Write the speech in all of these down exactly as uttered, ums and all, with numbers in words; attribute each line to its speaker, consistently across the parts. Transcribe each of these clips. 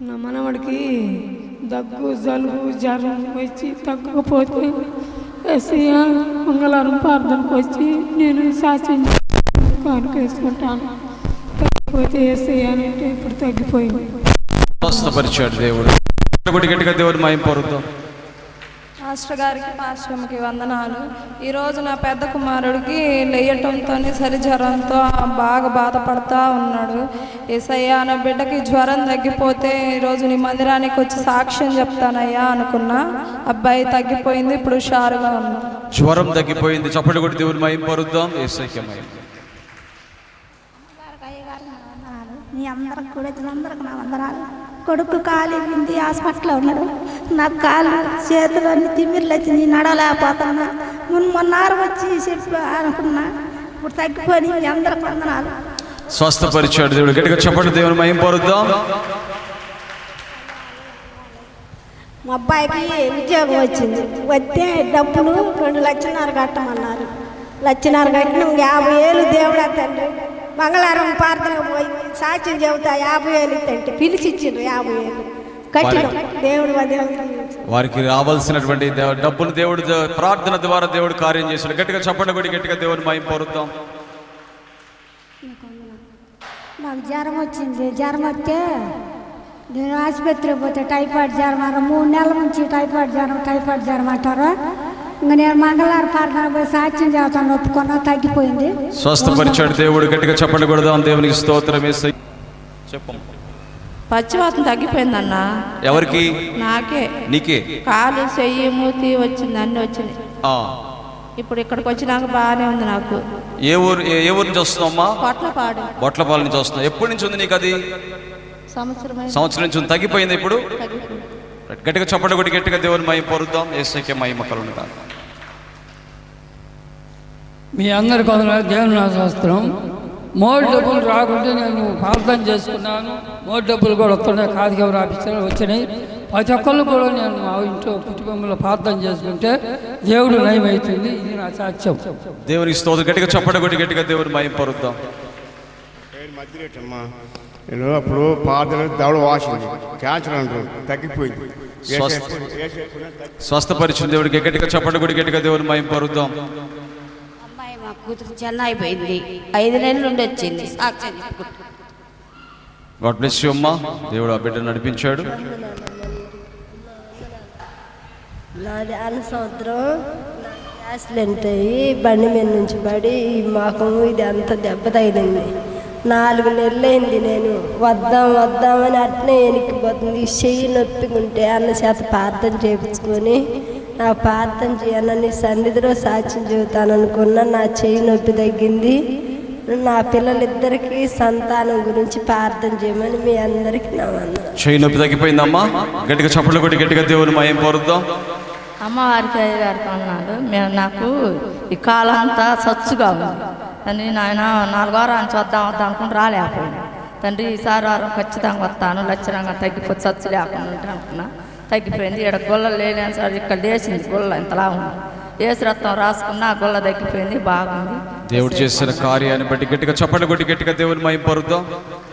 Speaker 1: నా మనవడికి దగ్గు జలుబు జ్వరం వచ్చి తగ్గకపోతే ఎస్ఐ మంగళవారం ప్రార్థనకు వచ్చి నేను సాక్ష్యం కానుక వేసుకుంటాను. తగ్గిపోతే ఎస్ఐ అని అంటే ఇప్పుడు తగ్గిపోయింది.
Speaker 2: స్వస్థపరిచాడు దేవుడు. గట్టిగా దేవుడు మహిమ పొందుదాం.
Speaker 3: మాస్టర్ గారికి పాశ్రమకి వందనాలు. ఈరోజు నా పెద్ద కుమారుడికి లేయటంతో సరి జ్వరంతో బాగా బాధపడతా ఉన్నాడు. ఏసయ్యా నా బిడ్డకి జ్వరం తగ్గిపోతే ఈరోజు నీ మందిరానికి వచ్చి సాక్ష్యం చెప్తానయ్యా అనుకున్నా. అబ్బాయి తగ్గిపోయింది, ఇప్పుడు హుషారుగా ఉన్నా.
Speaker 2: జ్వరం తగ్గిపోయింది. చప్పటి కొట్టి దేవుని మహిమ పొందుదాం. యేసయ్యకే మహిమ.
Speaker 4: మీ అందరికి కూడా అందరికి నా వందనాలు. కొడుకు కాలు వింది హాస్పిటల్లో ఉన్నాడు. నాకు కాలు చేతులు అన్ని తిమ్మిర్లు వచ్చి నేను నడవలేకపోతున్నా. మొన్న మొన్నారు వచ్చి చెప్పి అనుకున్నా, ఇప్పుడు తగ్గిపోయి మీ అందరికి వందనాలు.
Speaker 2: స్వస్థపరిచాడు దేవుడు. గట్టిగా చెప్పండి దేవుని మహిమ పొందుదాం.
Speaker 4: మా అబ్బాయికి ఉద్యోగం వచ్చింది. వస్తే డబ్బులు రెండు లక్షన్నర కట్టమన్నారు. లక్షన్నర కట్టిన యాభై ఏళ్ళు దేవుడా తండ్రి మంగళవారం ప్రార్థన పోయి సాక్ష్యం చెబుతా యాభై ఏళ్ళు ఇస్తంటే పిలిచి ఇచ్చిండ్రు. యాభై ఏళ్ళు కట్టిన దేవుడు
Speaker 2: వారికి రావాల్సినటువంటి డబ్బులు దేవుడు ప్రార్థన ద్వారా దేవుడు కార్యం చేశాడు. గట్టిగా చెప్పండి కూడా గట్టిగా దేవుని మహిమ పొందుదాం.
Speaker 4: నాకు జ్వరం వచ్చింది. జ్వరం వస్తే నేను ఆసుపత్రికి పోతే టైఫాయిడ్ జ్వరం అన్నారు. మూడు నెలల నుంచి టైఫాయిడ్ జ్వరం టైఫాయిడ్ జ్వరం అంటారు. ఇంకా నేను మంగళవారం ప్రార్థన పోయి సాక్ష్యం చేస్తాను, ఒప్పుకున్నా, తగ్గిపోయింది.
Speaker 2: స్వస్థపరిచాడు దేవుడు. గట్టిగా చెప్పండి కూడా దేవునికి స్తోత్రం. చెప్పు.
Speaker 3: పచ్చివాతం తగ్గిపోయిందన్న.
Speaker 2: ఎవరికి?
Speaker 3: నాకే.
Speaker 2: నీకే?
Speaker 3: కాలు చెయ్యి మూతి వచ్చింది, అన్ని వచ్చినాయి. ఇప్పుడు ఇక్కడికి వచ్చినాక బాగానే ఉంది నాకు.
Speaker 2: ఏ ఊరు ఏ ఊరు నుంచి వస్తున్నావమ్మా?
Speaker 3: బొట్లపాడు.
Speaker 2: బొట్లపాడు నుంచి వస్తున్నావు. ఎప్పటి నుంచి ఉంది నీకు అది?
Speaker 3: సంవత్సరం
Speaker 2: సంవత్సరం నుంచి ఉంది. తగ్గిపోయింది ఇప్పుడు? గట్టిగా చెప్పండి కూడా గట్టిగా దేవుని మహిమ పొందుదాం. యేసయ్యకే మహిమ కలుగును గాక.
Speaker 5: మీ అందరి కొందరు దేవుని శాస్త్రం మోడ్ డబ్బులు రాకుంటే నేను ప్రార్థన చేసుకున్నాను. మోడ్ డబ్బులు కూడా వస్తున్నాయి. కాదికెవరు ఆఫీసర్ వచ్చినాయి. ప్రతి ఒక్కళ్ళు కూడా నేను మా ఇంట్లో కుటుంబంలో ప్రార్థన చేసుకుంటే దేవుడు నయం అవుతుంది. ఇది నా సాక్ష్యం.
Speaker 2: దేవునికి స్తోత్రం. గట్టిగా చెప్పండి కూడా గట్టిగా దేవుని మహిమ పొందుదాం.
Speaker 6: నేను అప్పుడు ప్రార్థన దవడ వాసింది, క్యాన్సర్ అంటారు, తగ్గిపోయింది.
Speaker 2: స్వస్థపరిచిన దేవుడికి గట్టిగా చెప్పండి కూడా గట్టిగా దేవుని మహిమ పొందుదాం.
Speaker 7: అమ్మాయి మా కూతురు చెన్నై పోయింది, ఐదు నెలలు ఉండి వచ్చింది. సాక్ష్యం చెప్పుకుంటా.
Speaker 2: గాడ్ బ్లెస్ యు అమ్మా. దేవుడు ఆ బిడ్డను నడిపించాడు.
Speaker 8: నాది అన్న సంవత్సరం యాక్సిడెంట్ అయ్యి బండి మీద నుంచి పడి ఈ మాకము ఇది అంత దెబ్బ తగిలింది. నాలుగు నెలలైంది. నేను వద్దాం వద్దామని అట్నే ఎనికిపోతుంది. చెయ్యి నొప్పికుంటే అన్న చేత ప్రార్థన చేయించుకొని నా ప్రార్థన చేయాలని నీ సన్నిధిలో సాక్ష్యం చెబుతాను అనుకున్నా. నా చెయ్యి నొప్పి తగ్గింది. నా పిల్లలిద్దరికీ సంతానం గురించి ప్రార్థన చేయమని మీ అందరికీ నా వందనాలు.
Speaker 2: చెయ్యి నొప్పి తగ్గిపోయిందమ్మా. గట్టిగా చప్పట్లు కొట్టి గట్టిగా దేవుని మహిమ పొందుదాం.
Speaker 3: అమ్మవారికి అయ్యగారికి అన్నాడు, మేము నాకు ఈ కాలం అంతా సచ్చుగా ఉంది తండ్రి. నాయన నాలుగు వారాన్ని చూద్దాం వద్దాం అనుకుంటూ రాలేకపోయాను తండ్రి. ఈసారి వారం ఖచ్చితంగా వస్తాను, లక్షణంగా తగ్గిపోతే సచ్చు లేకుండా ఉంటే అనుకున్నా. తగ్గిపోయింది. ఇక్కడ గొల్ల లేని సార్ ఇక్కడ లేచింది గొల్ల ఇంతలా ఉంది. ఏసు రక్తం రాసుకున్నా గొల్ల తగ్గిపోయింది, బాగుంది.
Speaker 2: దేవుడు చేసిన కార్యాన్ని బట్టి గట్టిగా చప్పట్లు కొట్టి గట్టిగా దేవుని మహిమ పొందుదాం.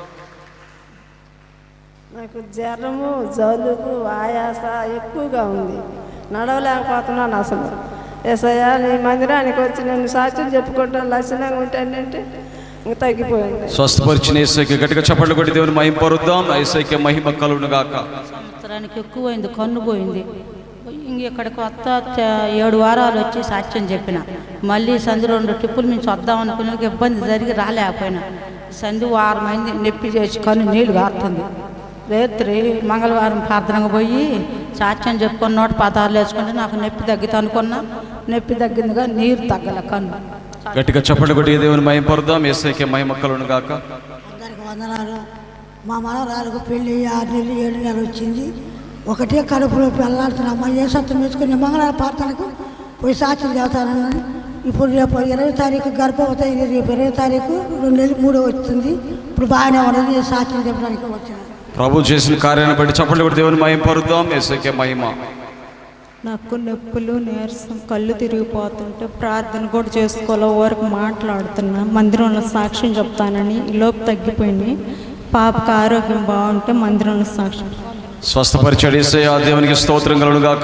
Speaker 8: నాకు జ్వరము జలుబు ఆయాస ఎక్కువగా ఉంది, నడవలేకపోతున్నాను అసలు. ఏసయ్యా నీ మందిరానికి వచ్చి నేను సాక్ష్యం చెప్పుకుంటాను, లక్షణంగా ఉంటానంటే ఇంక తగ్గిపోయింది.
Speaker 2: స్వస్థపరిచిన యేసయ్యకి గట్టిగా చప్పట్లు కొట్టి దేవుని మహిమ పొందుదాం. యేసయ్యకి మహిమ కలుగును గాక.
Speaker 7: సంవత్సరానికి ఎక్కువైంది, కన్ను పోయింది. ఇంక ఇక్కడికి కొత్త ఏడు వారాలు వచ్చి సాక్ష్యం చెప్పిన. మళ్ళీ సంధి రెండు ట్రిప్పులు నుంచి వద్దాం అనుకునే ఇబ్బంది జరిగి రాలేకపోయినా. సంధి వారం అయింది, నొప్పి చేసి కన్ను నీళ్ళు కారుతుంది. రాత్రి మంగళవారం ప్రార్థనకు పోయి సాక్ష్యం చెప్పుకొని నోట పదాలు వేసుకుంటే నాకు నొప్పి తగ్గితే అనుకున్నా. నొప్పి తగ్గిందిగా నీరు తగ్గల కన్ను.
Speaker 2: గట్టిగా చప్పట్లు కొట్టి దేవుని మహిమ పొందుదాం. యేసయ్యకి మహిమ కలుగును గాక.
Speaker 9: అందరికి వందనాలు. మా మనవరాలకు పెళ్ళి ఆరు నెలలు ఏడు నెలలు వచ్చింది. ఒకటే కడుపులో వెళ్ళాల్సిన ఏ సత్యం వేసుకుని మంగళవారం ప్రార్థనకు పోయి సాక్ష్యం చదువుతానని. ఇప్పుడు రేపు ఇరవై తారీఖు గర్భవతి అయింది. రేపు ఇరవై తారీఖు రెండు నెలలు మూడో వస్తుంది. ఇప్పుడు బాగానే ఉన్నది. సాక్ష్యం చెప్పడానికి వచ్చింది.
Speaker 2: ప్రభు చేసిన కార్యాన్ని బట్టి చప్పట్లు కొట్టి దేవుని మహిమ పొందుదాం. యేసయ్యకి మహిమ.
Speaker 10: నాకు నొప్పులు, నీరసం, కళ్ళు తిరిగిపోతుంటే ప్రార్థన కూడా చేసుకోవాలి. వరకు మాట్లాడుతున్నా, మందిరంలో సాక్ష్యం చెప్తానని లోపు తగ్గిపోయింది. పాపకు ఆరోగ్యం బాగుంటే మందిరంలో సాక్ష్యం.
Speaker 2: స్వస్థపరిచాడు యేసయ్య, దేవునికి స్తోత్రం కలుగును గాక.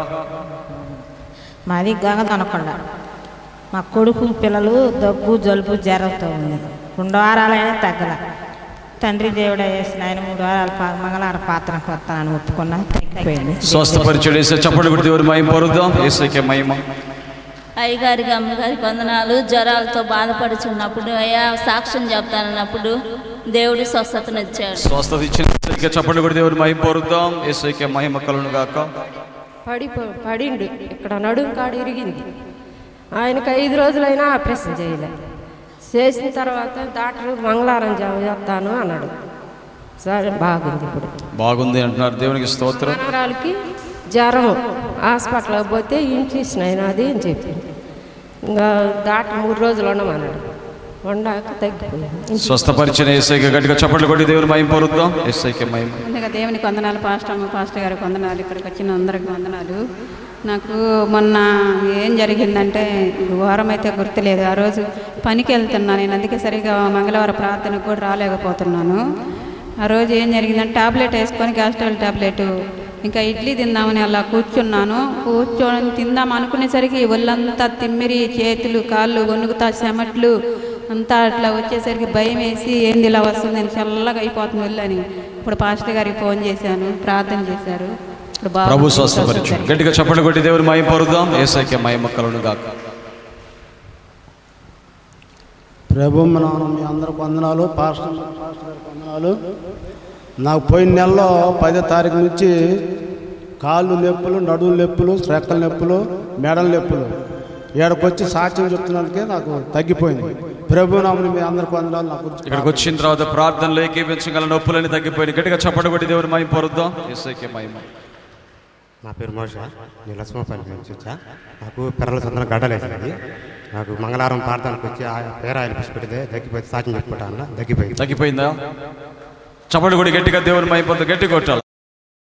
Speaker 11: మాది గంగదనకొండ. మా కొడుకు పిల్లలు దగ్గు జలుబు జ్వరంతో ఉంది. రెండు వారాలైనా తగ్గల. తండ్రి దేవుడు వేసిన ఆయన మూడు వారాల మంగళవారం పాత్రకు వస్తానని ఒప్పుకున్నా, తగ్గిపోయింది.
Speaker 2: స్వస్థపరిచాడు యేసయ్య, చప్పట్లు కొట్టి దేవుని మహిమ పరుద్దాం. యేసయ్యకే మహిమ.
Speaker 12: అయ్యగారికి అమ్మగారికి వందనాలు. జ్వరాలతో బాధపడుచున్నప్పుడు అయ్యా సాక్ష్యం చెప్తానన్నప్పుడు దేవుడు స్వస్థతను ఇచ్చాడు.
Speaker 2: స్వస్థత ఇచ్చిన చప్పట్లు కొట్టి దేవుని మహిమ పరుద్దాం. యేసయ్యకే మహిమ కలుగును గాక.
Speaker 13: పడి పడిండు ఇక్కడ నడుం కాడు ఇరిగింది. ఆయనకు ఐదు రోజులైనా ఆపరేషన్ చేయలే. చేసిన తర్వాత డాక్టర్ మంగళవారం చేస్తాను అన్నాడు. సరే బాగుంది, ఇప్పుడు
Speaker 2: బాగుంది అంటున్నారు. దేవునికి స్తోత్రం.
Speaker 13: మనవరాలకి జ్వరం హాస్పిటల్కి పోతే ఇన్ఫెక్షన్ అయినది అని చెప్పింది. ఇంకా డాక్టర్ మూడు రోజులు ఉండమన్నాడు. వండాక తగ్గిపోయింది.
Speaker 2: స్వస్థపరిచిన యేసయ్యకి గట్టిగా చప్పట్లు కొట్టి దేవుని మహిమ పరుద్దాం. యేసయ్యకే మహిమ.
Speaker 14: ముందుగా దేవునికి వందనాలు, పాస్టర్ అమ్మ పాస్టర్ గారికి వందనాలు, ఇక్కడికి వచ్చిన అందరికి వందనాలు. నాకు మొన్న ఏం జరిగిందంటే వారం అయితే గుర్తులేదు. ఆ రోజు పనికి వెళ్తున్నాను నేను, అందుకే సరిగా మంగళవారం ప్రార్థనకు కూడా రాలేకపోతున్నాను. ఆ రోజు ఏం జరిగిందంటే టాబ్లెట్ వేసుకొని గ్యాస్ట్రబుల్ టాబ్లెట్ ఇంకా ఇడ్లీ తిందామని అలా కూర్చున్నాను. కూర్చొని తిందాం అనుకునేసరికి ఒళ్ళంతా తిమ్మిరి, చేతులు కాళ్ళు వణుకుతా, చెమట్లు అంతా అట్లా వచ్చేసరికి భయం వేసి ఏంది ఇలా వస్తుంది, నేను చల్లగా అయిపోతుంది వెళ్ళని. ఇప్పుడు పాస్టర్ గారికి ఫోన్ చేశాను, ప్రార్థన చేశారు. ఇప్పుడు
Speaker 2: ప్రభు స్వస్థపరిచు. గట్టిగా చప్పట్లు కొట్టి దేవుని మహిమ పరుద్దాం. యేసయ్యకే మహిమ కలుగును గాక.
Speaker 15: ప్రభు నాన్న మీ అందరికి వందనాలు. పాస్టర్ పాస్టర్ గారికి వందనాలు. నాకు పోయిన నెలలో పదో తారీఖు నుంచి కాళ్ళు నొప్పులు, నడుము నొప్పులు, రెక్కల నొప్పులు, మెడల నొప్పులు. ఏడకొచ్చి సాక్ష్యం చెప్తున్నందుకే నాకు తగ్గిపోయింది. ప్రభు నామని మీ అందరికి వందనాలు. నాకు
Speaker 2: ఇక్కడికి వచ్చిన తర్వాత ప్రార్థనలో ఏకీపించగల నొప్పులని తగ్గిపోయింది. గట్టిగా చప్పట్లు కొట్టి దేవుని మహిమ పరుద్దాం. యేసయ్యకే మహిమ.
Speaker 16: నా పేరు మోష, నేను లక్ష్మపల్లి నుంచి వచ్చా. నాకు పిల్లల చందన గడ్డలేసింది. నాకు మంగళవారం ప్రార్థనకు వచ్చి ఆ పేరాయిలు పిసి పెడితే తగ్గిపోయింది. సాక్ష్యం చెప్పుకుంటా అన్న తగ్గిపోయింది.
Speaker 2: తగ్గిపోయిందా? చప్పట్లు కొట్టి గట్టిగా దేవుని మహిమ పొందు. గట్టి కొట్టాలి.